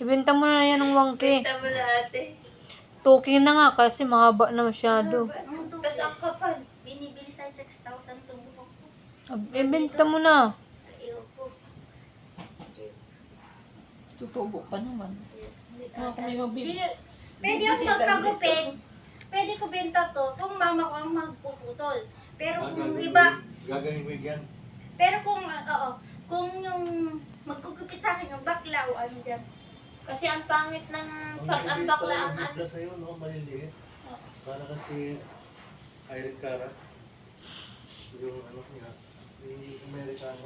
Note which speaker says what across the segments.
Speaker 1: Ibenta mo na yan ng 1K.
Speaker 2: Benta mo na ate.
Speaker 1: 2K na nga kasi mahaba na masyado.
Speaker 2: Tapos ang kapal. Binibili sa 6,000 itong buhok ko.
Speaker 1: Ibenta mo na.
Speaker 2: Ayaw ko.
Speaker 3: Tutubo pa naman. Mga kami
Speaker 2: Di,
Speaker 3: magbibili.
Speaker 2: pwede ako magpagupit. Pwede ko benta to kung mama ko ang magpuputol. Pero kung iba,
Speaker 4: Gagawin mo yan.
Speaker 2: pero kung, oo, kung yung magkugupit sa akin yung bakla o ano dyan. Kasi ang pangit ng pag ang bakla ang ano.
Speaker 4: Ang sa'yo, no? Maliliit. Para kasi Irene Cara. Yung ano niya. Yung Amerikano.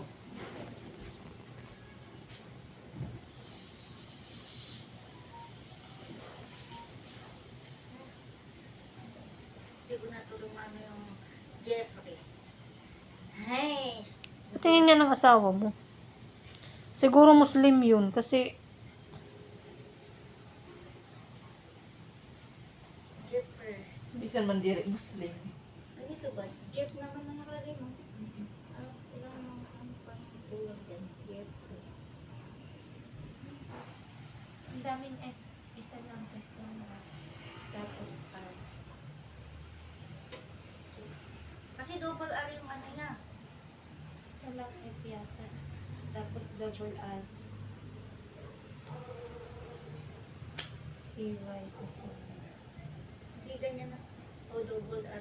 Speaker 2: Hindi ko natulungan yung Jeffrey. Hey!
Speaker 1: Tingin niya ng asawa mo. Siguro Muslim yun kasi
Speaker 2: Jeffrey.
Speaker 3: Bisan man diri Muslim.
Speaker 2: Ano ito ba? Jeff naman ang nakalagay mo. Ilang mga ano pa tulog dyan. Jeffrey.
Speaker 5: Ang daming F. Isa lang test lang. Tapos R.
Speaker 2: Kasi double R yung ano niya.
Speaker 5: Isa lang F yata. Tapos double R. AY. Tapos
Speaker 2: Hindi ganyan na. O double R